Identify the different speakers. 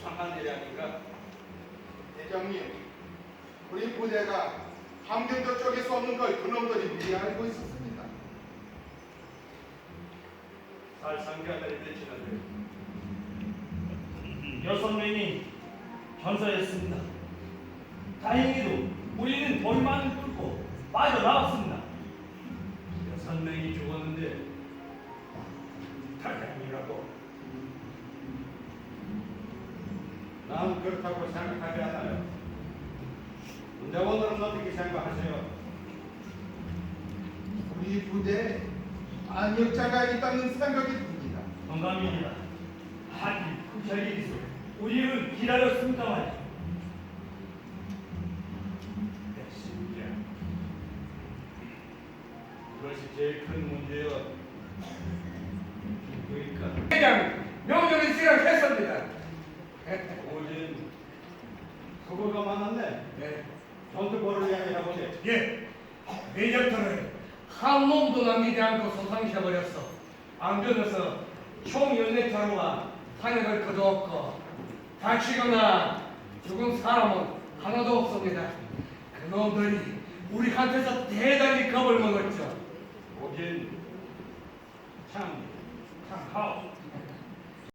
Speaker 1: 수상한 일이 아닌가?
Speaker 2: 대장님, 우리 부대가 함경도 쪽에 쏘는 걸 그놈들이 미리 알고 있었습니다.
Speaker 1: 살상자들이 되치는데
Speaker 3: 6명이 전사했습니다. 다행히도 우리는 돌만을 뚫고 빠져나왔습니다.
Speaker 1: 6명이 죽었는데 다행이라고. 난 그렇다고 생각하지 않아요. 군대원들은 어떻게 생각하세요?
Speaker 2: 우리 부대에 안역자가 있다는 생각이 듭니다.
Speaker 3: 동감입니다. 하긴 그 자리에서 우리는 기다렸습니다만
Speaker 1: 진짜 그것이 제일 큰 문제요. 그러니까
Speaker 4: 대장 명령을 수행했습니다.
Speaker 1: 오진 수고가 많았네.
Speaker 4: 네.
Speaker 1: 전투벌을 향해 보세.
Speaker 4: 예. 내적들은 한 놈도 남기지 않고 소상시켜버렸어. 안변에서 총 14차로와 탄약을 거두었고 다치거나 죽은 사람은 하나도 없습니다. 그놈들이 우리한테서 대단히 겁을 먹었죠.
Speaker 1: 오진 참 하오.